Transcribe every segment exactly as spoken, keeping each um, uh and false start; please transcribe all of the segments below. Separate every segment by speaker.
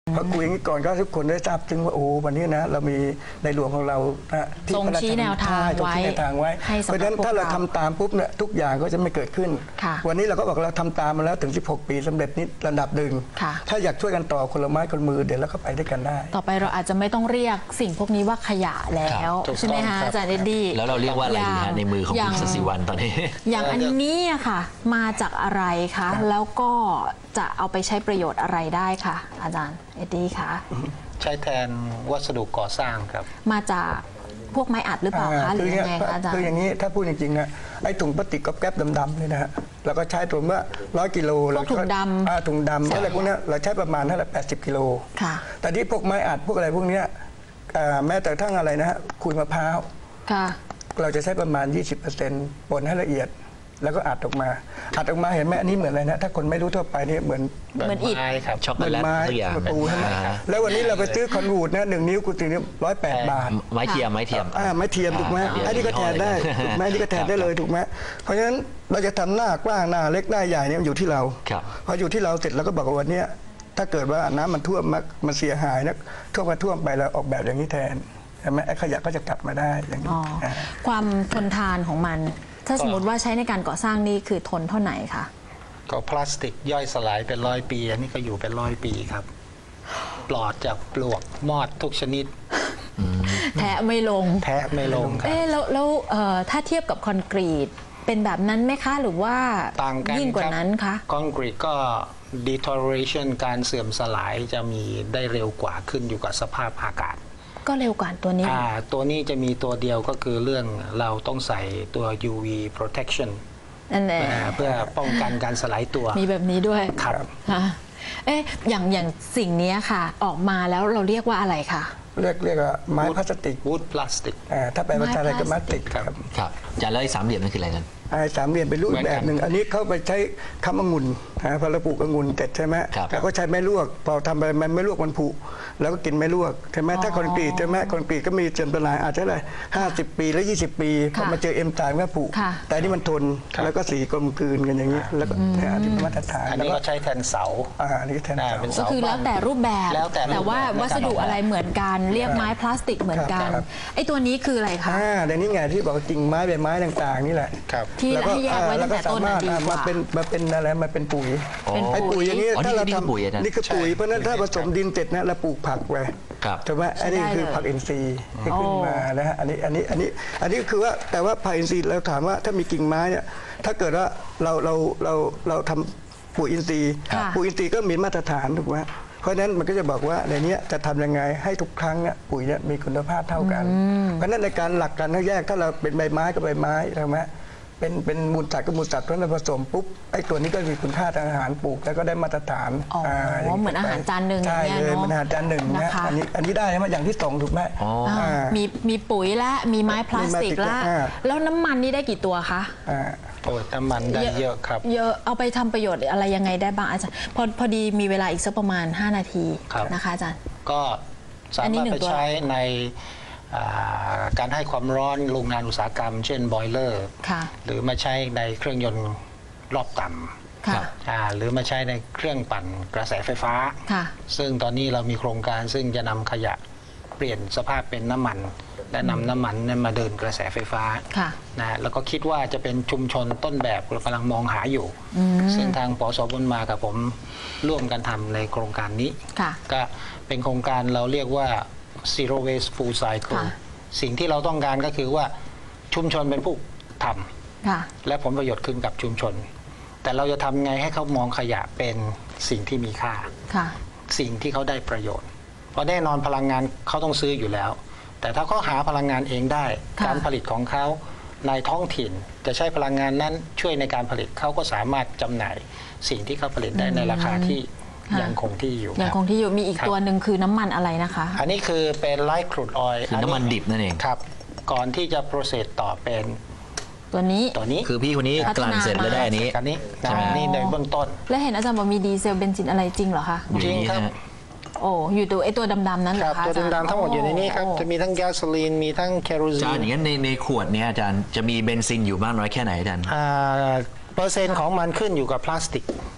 Speaker 1: พอคุยอย่างนี้ก่อนก็ทุกคนได้ทราบถึงว่าโอ้วันนี้นะเรามีในหลวงของเรา
Speaker 2: ทรงชี้แนวทางไว้
Speaker 1: เพราะฉะนั้นถ้าเราทำตามปุ๊บเนี่ยทุกอย่างก็จะไม่เกิดขึ้นวันนี้เราก็บอกเราทำตามมาแล้วถึงสิบหกปีสำเร็จนิดระดับหนึ่งถ้าอยากช่วยกันต่อคนละไม้คนมือเดี๋ยวเราก็ไปด้วยกันได้
Speaker 2: ต่อไปเราอาจจะไม่ต้องเรียกสิ่งพวกนี้ว่าขยะแล้วใช่ไหมคะอาจารย์เอ็ดดี้
Speaker 3: แล้วเราเรียกว่าอะไรดีฮะในมือของคุณศศิวรรณตอนนี้
Speaker 2: อย่างอันนี้ค่ะมาจากอะไรคะแล้วก็จะเอาไปใช้ประโยชน์อะไรได้ค่ะอาจารย์เอ็ดดี้คะ
Speaker 4: ใช้แทนวัสดุก่อสร้างครับ
Speaker 2: มาจากพวกไม้อัดหรือเปล่าคะหรือยังไงคะอาจารย์
Speaker 1: คืออย่างนี้ถ้าพูดจริงๆนะไอ้ถุงพลาสติกกับแก๊บดำๆนี่นะฮะเราก็ใช้ถุงว่าร้อยกิโล
Speaker 2: เราถุงด
Speaker 1: ำถุงดำอะไรพวกนี้เราใช้ประมาณเท่าไหร่แปดสิบกิโลแต่ที่พวกไม้อัดพวกอะไรพวกนี้แม้แต่ทั้งอะไรนะฮะขุยมะพร้าวเราจะใช้ประมาณ ยี่สิบเปอร์เซ็นต์ ป่นให้ละเอียดแล้วก็อัดออกมาอัดออกมาเห็นไหมอันนี้เหมือนอะไรนะถ้าคนไม่รู้ทั่วไปนี่เหมือน
Speaker 2: เหมือนอิฐ
Speaker 3: ครับช็อกโกแลตตัวอย่าง
Speaker 1: ปูใช่ไหมแล้ววันนี้เราไปซื้อคอนวูดนะหนึ่งนิ้วกูตีนี้ร้อยแปดบาท
Speaker 3: ไม้เทียมไม้เทียม
Speaker 1: อ่าไม้เทียมถูกไหมอันนี้ก็แทนได้ถูกไหมอันนี้ก็แทนได้เลยถูกไหมเพราะฉะนั้นเราจะทำหน้ากว้างหน้าเล็กหน้าใหญ่เนี่ยอยู่ที่เราพออยู่ที่เราเสร็จเราก็บอกว่าวันนี้ถ้าเกิดว่าน้ำมันท่วมมันเสียหายนะท่วมมาท่วมไปเราออกแบบอย่างนี้แทนใช่ไหมไอ้ขยะก็จะกลับมาได้อย่างนี้
Speaker 2: ความทนทานของมันถ้าสมมติว่าใช้ในการก่อสร้างนี่คือทนเท่าไหร่คะ
Speaker 4: ก็พลาสติกย่อยสลายเป็นร้อยปีอันนี้ก็อยู่เป็นร้อยปีครับปลอดจากปลวกมอดทุกชนิด
Speaker 2: แทะไม่ลง
Speaker 4: แทะไม่ลงครับ
Speaker 2: เอ๊ะแล้วแล้วถ้าเทียบกับคอนกรีตเป็นแบบนั้นไหมคะหรือว่ายิ่งกว่านั้นคะ
Speaker 4: คอนกรีตก็ deterioration การเสื่อมสลายจะมีได้เร็วกว่าขึ้นอยู่กับสภาพอากาศ
Speaker 2: ก็เร็วกว่าตัวนี้
Speaker 4: ตัวนี้จะมีตัวเดียวก็คือเรื่องเราต้องใส่ตัว ยู วี protection เพื่อป้องกันการสลายตัว
Speaker 2: มีแบบนี้ด้วย
Speaker 4: ครับ
Speaker 2: เอ๊ะอย่างอย่างสิ่งนี้ค่ะออกมาแล้วเราเรียกว่าอะไรคะ
Speaker 1: เรียกเรียกว่าไม้พลาสติก
Speaker 4: wood plastic
Speaker 1: ถ้าเป็นภาษาไทยก็พลาสติก
Speaker 3: ครับครับจะแล้วไอ้สามเหลี่ยมนั่นคืออะไรกัน
Speaker 1: ไอ้สามเหลี่ยมเป็นรูปแบบหนึ่งอันนี้เขาไปใช้คำองุ่นพอเราปลูกองุ่นเสร็จใช่ไหมแล้วก็ใช้ไม้ลวกพอทำไปมันไม่ลวกมันผุแล้วก็กินไม้ลวกใช่ไหมถ้าคอนกรีตใช่ไหมคอนกรีตก็มีเสื่อมสลายอาจจะอะไรห้าสิบปีแล้วยี่สิบปีพอมาเจอเอ็มตายก็ผุแต่นี่มันทนแล้วก็สีกลมกลืนกันอย่างนี้แล้วก็อันนี้มาตรฐาน
Speaker 4: อันนี้ก็ใช้แทนเสา
Speaker 1: อ่าอันนี้แทนเสา
Speaker 2: ก็คือแล้วแต่รูปแบบแต่ว่าวัสดุอะไรเหมือนกันเรียกไม้พลาสติกเหมือนกันไอ้ตัวนี้คืออะไรคะ
Speaker 1: อ่าเดี๋ยวนี้ไงที่บอกกิ่งไม้ใบไม้ต่างๆนี่แหละ
Speaker 2: ที่ให้แยกไว้ตั้งแต่ต้นดีกว่า
Speaker 1: มาเป็นมาเป็นอะไรมาเป็นปุ๋ยไอ้ปุ๋ยอย่างนี้ถ้าเราทำนี่คือปุ๋ยเพราะนั้นถ้าผสมดินเสร็จนะเราปลูกผักไว้ใช่ไหมอันนี้คือผักอินทรีย์ที่ขึ้นมานะฮะอันนี้อันนี้อันนี้อันนี้คือว่าแต่ว่าผักอินทรีย์เราถามว่าถ้ามีกิ่งไม้เนี่ยถ้าเกิดว่าเราเราเราเราทำปุ๋ยอินทรีย์ปุ๋ยอินทรีย์ก็มีมาตรฐานถูกไหมเพราะฉะนั้นมันก็จะบอกว่าในนี้จะทำยังไงให้ทุกครั้งเนี่ยปุ๋ยเนี่ยมีคุณภาพเท่ากันเพราะฉะนั้นในการหลักการแยกถ้าเราเป็นใบไม้กับใบไม้ใช่ไหมเป็นเป็นมูลสัตว์กับมูลสัตว์เพราะนั้นผสมปุ๊บไอ้ตัวนี้ก็มีคุณค่าทางอาหารปลูกแล้วก็ได้มาตรฐาน
Speaker 2: อ๋อเหมือนอาหารจานหนึ่ง
Speaker 1: ใช่เลยมันอาหารจานหนึ่งนะอันนี้อันนี้ได้ใช่ไหมอย่างที่สองถูกไหม
Speaker 2: มีมีปุ๋ยและมีไม้พลาสติกและแล้วน้ำมันนี่ได้กี่ตัวคะ
Speaker 4: โอ้น้ำมันได้เยอะครับ
Speaker 2: เยอะเอาไปทำประโยชน์อะไรยังไงได้บ้างอาจารย์พอพอดีมีเวลาอีกสักประมาณห้านาทีนะคะอาจารย์
Speaker 4: ก็สามารถไปใช้ในการให้ความร้อนโรงงานอุตสาหกรรมเช่นบอยเลอร์หรือมาใช้ในเครื่องยนต์รอบต่ำหรือมาใช้ในเครื่องปั่นกระแสไฟฟ้าซึ่งตอนนี้เรามีโครงการซึ่งจะนำขยะเปลี่ยนสภาพเป็นน้ำมันและนำน้ำมันมาเดินกระแสไฟฟ้านะแล้วก็คิดว่าจะเป็นชุมชนต้นแบบเรากำลังมองหาอยู่ซึ่งทางปสบุญมากับผมร่วมกันทำในโครงการนี้ก็เป็นโครงการเราเรียกว่าzero waste full cycle สิ่งที่เราต้องการก็คือว่าชุมชนเป็นผู้ทำและผลประโยชน์ขึ้นกับชุมชนแต่เราจะทำไงให้เขามองขยะเป็นสิ่งที่มีค่าสิ่งที่เขาได้ประโยชน์เพราะแน่นอนพลังงานเขาต้องซื้ออยู่แล้วแต่ถ้าเขาหาพลังงานเองได้การผลิตของเขาในท้องถิ่นจะใช้พลังงานนั้นช่วยในการผลิตเขาก็สามารถจำหน่ายสิ่งที่เขาผลิตได้ในราคาที่ยังคงที่อยู่
Speaker 2: ยังคงที่อยู่มีอีกตัวหนึ่งคือน้ำมันอะไรนะคะ
Speaker 4: อันนี้คือเป็นไลท์ครูดออยล์
Speaker 3: คือน้ำมันดิบนั่นเอง
Speaker 4: ครับก่อนที่จะโปรเซสต่อเป็น
Speaker 2: ตัวนี้
Speaker 4: ตัวนี้
Speaker 3: คือพี่คนนี้กลั่นเสร็จแล้วได้อันนี้
Speaker 4: อันนี้ใช่นี่ในเบื้องต้น
Speaker 2: และเห็นอาจารย์บอกมีดีเซลเบนซินอะไรจริงเหรอคะ
Speaker 4: จริงครับ
Speaker 2: โอ้อยู่ตัวไอตัวดำๆนั้นเหรอคะ
Speaker 4: ตัวดำๆทั้งหมดอยู่ในนี้ครับจะมีทั้งแก๊สโซลีนมีทั้งแคโรซีน
Speaker 3: อาจารย์อย่างนั้นในในขวดนี้อาจารย์จะมีเบนซินอยู่มากน้อยแค่ไหนอาจารย์
Speaker 4: เปอร์เซ็นต์ของมันขึ้นอยู่กับพลาสติก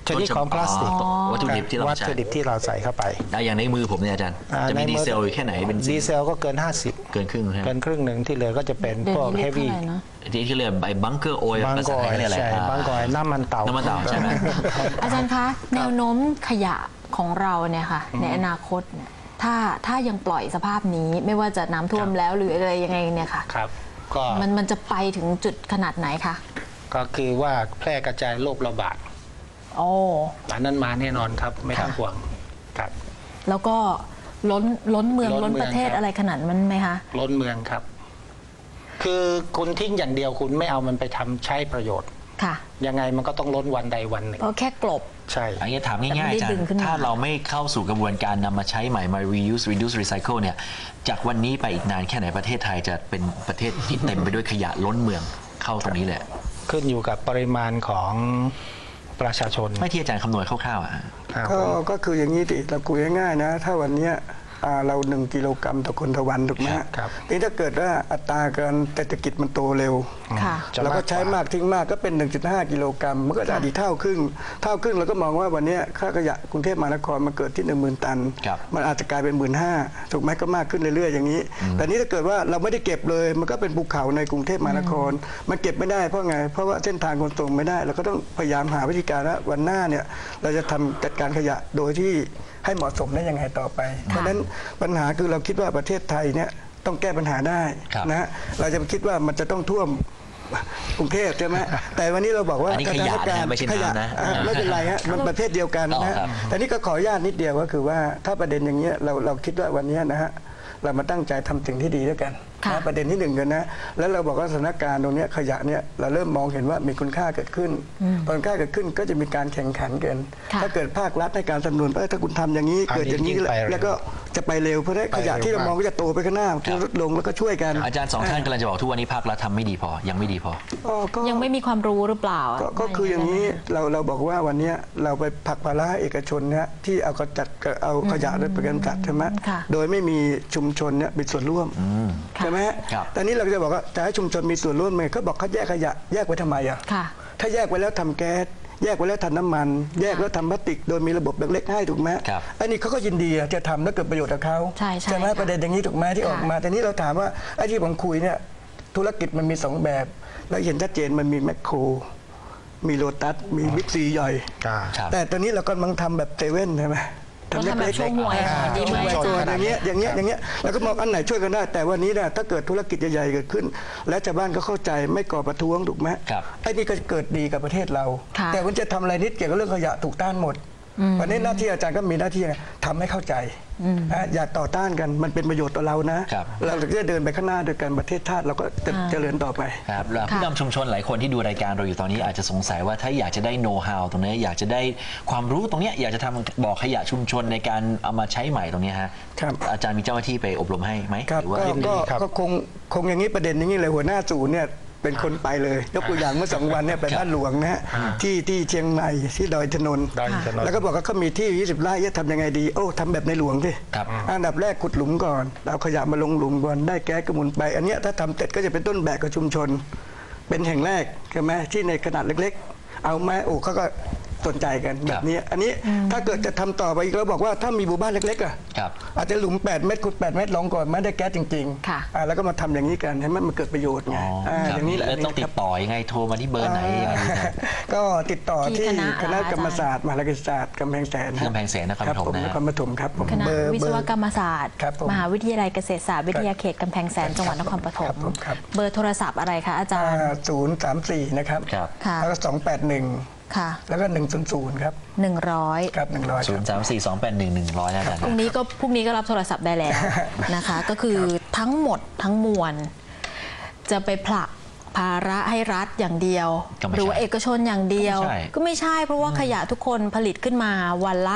Speaker 4: ชนิดของพลาสติก
Speaker 3: วัตถุดิบที่เรา
Speaker 4: วัต
Speaker 3: ใช้
Speaker 4: ถุดิบที่เราใส่เข้าไป
Speaker 3: ได้อย่างในมือผมเนี่ยอาจารย์
Speaker 4: อ่า
Speaker 3: จะมี
Speaker 4: ในมื
Speaker 3: ดี
Speaker 4: อ
Speaker 3: เซลอยู่แค่ไหนเป็น
Speaker 4: ดีเซลก็เกิน ห้าสิบ
Speaker 3: เกินครึ่งใช่ไหม
Speaker 4: เกินครึ่งหนึ่งที่เหลือก็จะเป็น
Speaker 2: เดี๋ย
Speaker 4: พ
Speaker 2: ว
Speaker 4: วก
Speaker 2: นี้
Speaker 4: เฮ
Speaker 2: เรียก
Speaker 4: ฟวี่
Speaker 2: เท่าไหร่เนอะ
Speaker 3: ที่ที่เรียกใบบังเกอร์โอย
Speaker 4: บาง
Speaker 3: ภาก ษา
Speaker 4: อ
Speaker 3: ไท
Speaker 4: ย
Speaker 3: ยเรียกอะไร
Speaker 4: ใช่
Speaker 3: อ่า
Speaker 4: บางกอยน้ำมันเต่า
Speaker 3: น้ำมันเต่าใช่ไหม
Speaker 2: อาจารย์คะแนวโน้มขยะของเราเนี่ยค่ะในอนาคตเนี่ยถ้าถ้ายังปล่อยสภาพนี้ไม่ว่าจะน้ำท่วมแล้วหรืออะไรยังไงเนี่ยค่ะ
Speaker 4: ครับก็
Speaker 2: มันมันจะไปถึงจุดขนาดไหนคะ
Speaker 4: ก็คือว่าแพร่กระจายโรคระบาด
Speaker 2: โอ้
Speaker 4: อันนั้นมาแน่นอนครับไม่ต้องห่วงครับ
Speaker 2: แล้วก็ล้นล้นเมือง
Speaker 4: ล้
Speaker 2: ล้
Speaker 4: น
Speaker 2: น
Speaker 4: เมือง
Speaker 2: ประเทศ
Speaker 4: ครับ
Speaker 2: อะไรขนาดนั้นไหมคะ
Speaker 4: ล้นเมืองครับ คือคุณทิ้งอย่างเดียวคุณไม่เอามันไปทำใช้ประโยชน์
Speaker 2: ค่ะ
Speaker 4: ยังไงมันก็ต้องล้นวันใดวันหนึ่ง
Speaker 2: เพราะแค่กลบ
Speaker 4: ใช่
Speaker 3: อันนี้ถาม
Speaker 2: แต่
Speaker 3: ง่าย
Speaker 2: ไม่
Speaker 3: ๆอาจาร
Speaker 2: ได้ดึง
Speaker 3: ย์
Speaker 2: ขึ้นมา
Speaker 3: ถ้าเราไม่เข้าสู่กระบวนการนำมาใช้ใหม่มา reuse reduce recycle เนี่ยจากวันนี้ไปอีกนานแค่ไหนประเทศไทยจะเป็นประเทศที่เต็มไปด้วยขยะล้นเมืองเข้าตรงนี้เลย
Speaker 4: ขึ้นอยู่กับปริมาณของประชาชน
Speaker 3: ไม่ที่อาจารย์คำนวณคร่าวๆอ่ะ
Speaker 4: ครับ
Speaker 1: ก็ก็คืออย่างนี้ดิเราคุยง่ายๆนะ ถ้าวันเนี้ยอ่าเราหนึ่งกิโลกรัมต่อคนต่อวันถูกไหมฮะ
Speaker 4: ครับ
Speaker 1: นี่ถ้าเกิดว่าอัตราการเศรษฐกิจมันโตเร็ว
Speaker 2: ค่ะ
Speaker 4: จะ
Speaker 1: เราก็ใช้
Speaker 4: มากกว่า
Speaker 1: มากทิ้งมากก็เป็น หนึ่งจุดห้า กิโลกรัมมันก็จะดีเท่าครึ่งเท่าครึ่งเราก็มองว่าวันเนี้ยค่าขยะกรุงเทพมหานครมันเกิดที่ หนึ่งหมื่น ตัน
Speaker 3: ครับ
Speaker 1: มันอาจจะกลายเป็น หนึ่งหมื่นห้าพัน ถูกไหมก็มากขึ้นเรื่อยๆอย่างนี้ แต่นี้ถ้าเกิดว่าเราไม่ได้เก็บเลยมันก็เป็นภูเขาในกรุงเทพมหานคร มันเก็บไม่ได้เพราะไงเพราะว่าเส้นทางขนส่งไม่ได้เราก็ต้องพยายามหาวิธีการว่าวันหน้าเนี่ยเราจะทำจัดการขยะโดยที่ให้เหมาะสมได้ยังไงต่อไป เพราะฉะนั้นปัญหาคือเราคิดว่าประเทศไทยเนี่ยต้องแก้ปัญหาได้
Speaker 3: ครับ
Speaker 1: นะฮะเราจะไปคิดว่ามันจะต้องท่วมกรุงเทพใช่ไหมแต่วันนี้เราบอกว่า
Speaker 3: อันนี้ขยะนะไม่ใช่
Speaker 1: ขยะ
Speaker 3: น้ำนะ
Speaker 1: อ่ะไม่เป็นไรฮะมันประเภทเดียวกันนะฮะ
Speaker 3: อ๋อครับ
Speaker 1: แต่นี่ก็ขออนุญาตนิดเดียวก็คือว่าถ้าประเด็นอย่างเงี้ยเราเราคิดว่าวันเนี้ยนะฮะเรามาตั้งใจทำสิ่งที่ดีด้วยกัน
Speaker 2: ค่ะ
Speaker 1: นะประเด็นที่หนึ่งกันนะแล้วเราบอกว่าสถานการณ์ตรงเนี้ยขยะเนี่ยเราเริ่มมองเห็นว่ามีคุณค่าเกิดขึ้นพอคุณค่าเกิดขึ้นก็จะมีการแข่งขันกัน
Speaker 2: ค่ะ
Speaker 1: ถ้าเกิดภาครัฐในการสนับสนุนเออถ้าคุณทำอย่างนี้
Speaker 4: อันนี้
Speaker 1: เกิดอย่างนี้
Speaker 4: ยิ่งไปเร็ว
Speaker 1: แล้วก็จะไปเร็วเพราะฉะนั้น
Speaker 4: ไป
Speaker 1: ข
Speaker 4: เร็วย
Speaker 1: ะที่เรามองก็จะโตไปข้างหน้าจะลดลงแล้วก็ช่วยกัน
Speaker 3: อาจารย์สองท่านกำลังจะบอกทุกวันนี้ภาครัฐทำไม่ดีพอยังไม่ดีพอ
Speaker 1: อ๋อก็
Speaker 2: ยังไม่มีความรู้หรือเปล่า
Speaker 1: ก็ก็คืออย่างนี้เราเราบอกว่าวันเนี้ยเราไปผลักภาระให้เอกชนเนี่ยที่เอากระจัดเอาขยะไปกำจัดใช่ไหม
Speaker 2: ค่ะ
Speaker 1: โดยไม่มีชุมชนเนี่ยมีส่วนร่วมใช่ไหมฮะ
Speaker 3: ครับ
Speaker 1: แต่นี้เราจะบอกว่าจะให้ชุมชนมีส่วนร่วมไหมเขาบอกเขาแยกขยะแยกไว้ทำไมอ่ะ
Speaker 2: ค่ะ
Speaker 1: ถ้าแยกไว้แล้วทำแก๊สแยกไว้แล้วทำน้ำมัน แยกแล้วทำพลาสติกโดยมีระบบเล็กๆให้ถูกไหม
Speaker 3: ครับ
Speaker 1: อันนี้เขาก็ยินดีอะจะทำแล้วเกิดประโยชน์กับเขา
Speaker 2: ใช่ใช่
Speaker 1: ไหม
Speaker 2: ค่ะ
Speaker 1: ประเด็นอย่างนี้ถูกไหมที่ออกมาแต่นี้เราถามว่าไอ้ที่ผมคุยเนี่ยธุรกิจมันมีสองแบบแล้วเห็นชัดเจนมันมีแมคโครมีโลตัสมีบิ๊กซีย่อย
Speaker 4: อ่า
Speaker 3: ครับ
Speaker 1: แต่ตอนนี้เรากำลังทำแบบเซเว่นใช่ไหม
Speaker 2: เราทำแบบช่วยหวย
Speaker 1: อ่า
Speaker 2: ดีไหม
Speaker 1: ช่วย
Speaker 2: อาจารย์
Speaker 1: อย่างเงี้ยอย่างเงี้ยอย่างเงี้ยแล้วก็มองอันไหนช่วยกันได้ แต่วันนี้เนี่ยถ้าเกิดธุรกิจใหญ่ๆเกิดขึ้น และชาวบ้านก็เข้าใจไม่ก่อประท้วงถูกไหม
Speaker 3: ครับ
Speaker 1: ไอ้นี่ก็เกิดดีกับประเทศเรา
Speaker 2: ค่ะ
Speaker 1: แต่มันจะทำอะไรนิดเกี่ยวกับเรื่องขยะถูกต้านหมดวันนี้หน้าที่อาจารย์ก็มีหน้าที่ไงทำให้เข้าใจนะอย่าต่อต้านกันมันเป็นประโยชน์ต่อเรานะครับ เราจะเดินไปข้างหน้าด้วยกันประเทศชาติเราก็จะเจริญต่อไป
Speaker 3: ครับแล้วผู้นำชุมชนหลายคนที่ดูรายการเราอยู่ตอนนี้อาจจะสงสัยว่าถ้าอยากจะได้โน้ตฮาวตรงนี้อยากจะได้ความรู้ตรงเนี้ยอยากจะทำบ่อขยะชุมชนในการเอามาใช้ใหม่ตรงเนี้ยฮะ
Speaker 1: ครับ
Speaker 3: อาจารย์มีเจ้าหน้าที่ไปอบรมให้ไหม
Speaker 1: ครับ
Speaker 3: หรือว่า
Speaker 1: ก็
Speaker 4: ยินดี
Speaker 1: ก็
Speaker 4: ครับ
Speaker 1: ก็คงคงอย่างนี้ประเด็นอย่างนี้เลยหัวหน้าศูนย์เนี่ยเป็นคนไปเลยยกตัวอย่างเมื่อสองวันเนี่ยไปบ้านหลวงนะฮะที่ที่เชียงใหม่ที่ดอยถนน
Speaker 4: ดอยถนน
Speaker 1: แล้วก็บอกว่าเขามีที่ยี่สิบไร่จะทำยังไงดีโอ้ทำแบบในหลวงสิ
Speaker 3: ครับ
Speaker 1: อันดับแรกขุดหลุมก่อนเอาขยะมาลงหลุมก่อนได้แก๊สกระมุนไป อันเนี้ยถ้าทำเสร็จก็จะเป็นต้นแบบกับชุมชน เป็นแห่งแรกใช่ไหมที่ในขนาดเล็กๆ เอาไหมโอ้เขาก็สนใจกันแบบนี้อันนี้ถ้าเกิดจะทำต่อไปอีกเราบอกว่าถ้ามีหมู่บ้านเล็กๆอ่ะ
Speaker 3: ครับ
Speaker 1: อาจจะหลุมแปดเมตรขุดแปดเมตรลงก่อนไม่ได้แก๊สจริง
Speaker 2: ค่ะ
Speaker 1: ๆอ่าแล้วก็มาทำอย่างนี้กันให้มันมันเกิดประโยชน์ไง
Speaker 3: อ๋อ
Speaker 1: อ่า
Speaker 3: ครับ
Speaker 1: อย่างนี้แหละ
Speaker 3: แล้วต้องติ
Speaker 1: ครั
Speaker 3: ด
Speaker 1: บ
Speaker 3: ต่อยังไงโทรมาที่เบอร์ไหนยังไงดีครับ
Speaker 1: ก็ติดต่อ
Speaker 2: ที่
Speaker 1: ที่
Speaker 2: คณะ
Speaker 1: คณะ
Speaker 2: อาจารย์
Speaker 1: กรรมศาสตร์มหาวิทยาลัยศาสตร์กำแพงแสน
Speaker 3: ที่กำแพงแสนนครปฐม
Speaker 1: ผม
Speaker 3: นะ
Speaker 1: นครปฐมครับผม
Speaker 2: คณะ
Speaker 1: เบอร์
Speaker 2: วิศวกรรมศาสตร์
Speaker 1: ครับผม
Speaker 2: มหาวิทยาลัยเกษตรศาสตร์วิทยาเขตกำแพงแสนจังหวัดนครปฐ
Speaker 1: ครั
Speaker 2: ม
Speaker 1: บผมครับ
Speaker 2: เบอร์โทรศัพท์อะไรคะอาจารย์
Speaker 1: ศูนย์สามสี่นะครับ
Speaker 3: ครับ
Speaker 2: ค่ะ
Speaker 1: แล้วก็สองแปดหนึ่ง
Speaker 2: ค่ะ
Speaker 1: แล้วก็หนึ่งศูนย์ศูนย์ครับ
Speaker 2: หนึ่งร้อย
Speaker 1: ครับหนึ่งร้อย
Speaker 3: ศูนย์สามสี่สองแปดหนึ่งหนึ่งร้อยนะอาจารย์
Speaker 2: พรุ่งนี้ก็พรุ่งนี้ก็รับโทรศัพท์ได้แล้ว นะคะ ก็คือทั้งหมดทั้งมวล จะไปผลักภาระให้รัฐอย่างเดียว
Speaker 3: ก็ไม่ใช่
Speaker 2: หรือว่าเอกชนอย่างเดียว
Speaker 3: ก็ไม่ใช่
Speaker 2: ก็ไม่ใช่เพราะว่าขยะทุกคนผลิตขึ้นมาวันละ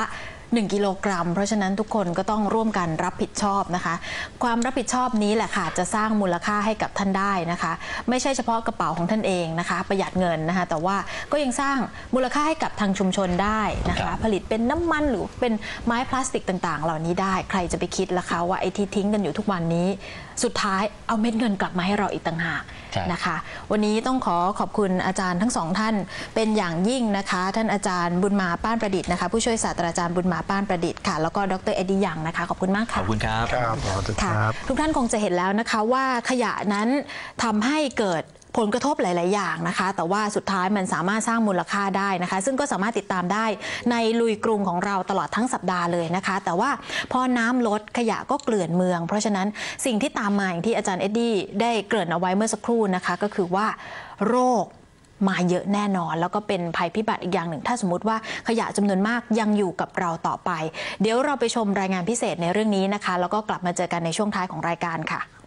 Speaker 2: หนึ่งกิโลกรัมเพราะฉะนั้นทุกคนก็ต้องร่วมกันรับผิดชอบนะคะความรับผิดชอบนี้แหละค่ะจะสร้างมูลค่าให้กับท่านได้นะคะไม่ใช่เฉพาะกระเป๋าของท่านเองนะคะประหยัดเงินนะคะแต่ว่าก็ยังสร้างมูลค่าให้กับทางชุมชนได้นะคะผลิตเป็นน้ำมันหรือเป็นไม้พลาสติกต่างๆเหล่านี้ได้ใครจะไปคิดล่ะคะว่าไอ้ที่ทิ้งกันอยู่ทุกวันนี้สุดท้ายเอาเม็ดเงินกลับมาให้เราอีกต่างหากนะคะวันนี้ต้องขอขอบคุณอาจารย์ทั้งสองท่านเป็นอย่างยิ่งนะคะท่านอาจารย์บุญมาป้านประดิษฐ์นะคะผู้ช่วยศาสตราจารย์บุญมาป้านประดิษฐ์ค่ะแล้วก็ดรเอ็ดดี้ยังนะคะขอบคุณมากค่ะ
Speaker 3: ขอบคุณครับ
Speaker 1: ครับ
Speaker 2: ค่ะทุกท่านคงจะเห็นแล้วนะคะว่าขยะนั้นทำให้เกิดผลกระทบหลาย ๆ อย่างนะคะแต่ว่าสุดท้ายมันสามารถสร้างมูลค่าได้นะคะซึ่งก็สามารถติดตามได้ในลุยกรุงของเราตลอดทั้งสัปดาห์เลยนะคะแต่ว่าพอน้ำลดขยะก็เกลื่อนเมืองเพราะฉะนั้นสิ่งที่ตามมาอย่างที่อาจารย์เอ็ดดี้ได้เกริ่นเอาไว้เมื่อสักครู่นะคะก็คือว่าโรคมาเยอะแน่นอนแล้วก็เป็นภัยพิบัติอีกอย่างหนึ่งถ้าสมมติว่าขยะจำนวนมากยังอยู่กับเราต่อไปเดี๋ยวเราไปชมรายงานพิเศษในเรื่องนี้นะคะแล้วก็กลับมาเจอกันในช่วงท้ายของรายการค่ะ